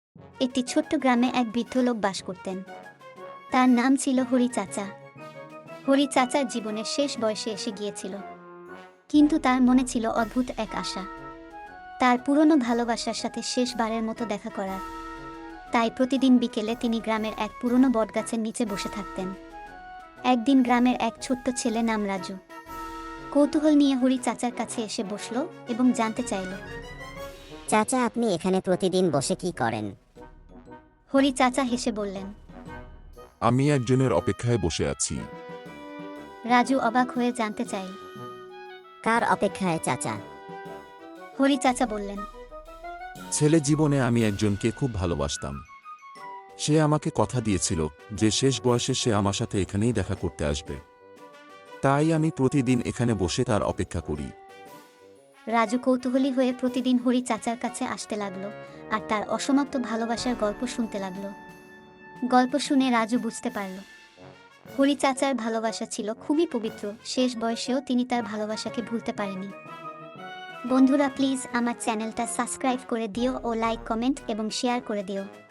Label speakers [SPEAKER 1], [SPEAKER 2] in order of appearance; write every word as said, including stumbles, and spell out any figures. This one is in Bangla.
[SPEAKER 1] একটি ছোট্ট গ্রামে এক বৃদ্ধ লোক বাস করতেন। তার নাম ছিল হরি চাচা। হরি চাচার জীবনের শেষ বয়সে এসে গিয়েছিল, কিন্তু তার মনে ছিল অদ্ভুত এক আশা, তার পুরনো ভালোবাসার সাথে শেষবারের মতো দেখা করার। তাই প্রতিদিন বিকেলে তিনি গ্রামের এক পুরনো বটগাছের নিচে বসে থাকতেন। একদিন গ্রামের এক ছোট্ট ছেলে নাম রাজু কৌতূহল নিয়ে হরি চাচার কাছে এসে বসল এবং জানতে চাইল।
[SPEAKER 2] চাচা, আপনি এখানে প্রতিদিন বসে কি করেন?
[SPEAKER 1] হরি চাচা হেসে বললেন।
[SPEAKER 3] আমি একজনের অপেক্ষায় বসে আছি।
[SPEAKER 1] রাজু অবাক হয়ে জানতে চাইল,
[SPEAKER 2] কার অপেক্ষায় চাচা?
[SPEAKER 1] হরি চাচা বললেন,
[SPEAKER 3] ছেলে জীবনে আমি একজনকে খুব ভালোবাসতাম। সে আমাকে কথা দিয়েছিল যে শেষ বয়সে সে আমার সাথে এখানেই দেখা করতে আসবে। তাই আমি প্রতিদিন এখানে বসে তার অপেক্ষা করি।
[SPEAKER 1] রাজু কৌতূহলী হয়ে প্রতিদিন হরি চাচার কাছে আসতে লাগলো আর তার অসমাপ্ত ভালোবাসার গল্প শুনতে লাগলো। গল্প শুনে রাজু বুঝতে পারল হরি চাচার ভালোবাসা ছিল খুবই পবিত্র। শেষ বয়সেও তিনি তার ভালোবাসাকে ভুলতে পারেনি। বন্ধুরা, প্লিজ আমার চ্যানেলটা সাবস্ক্রাইব করে দিও ও লাইক, কমেন্ট এবং শেয়ার করে দিও।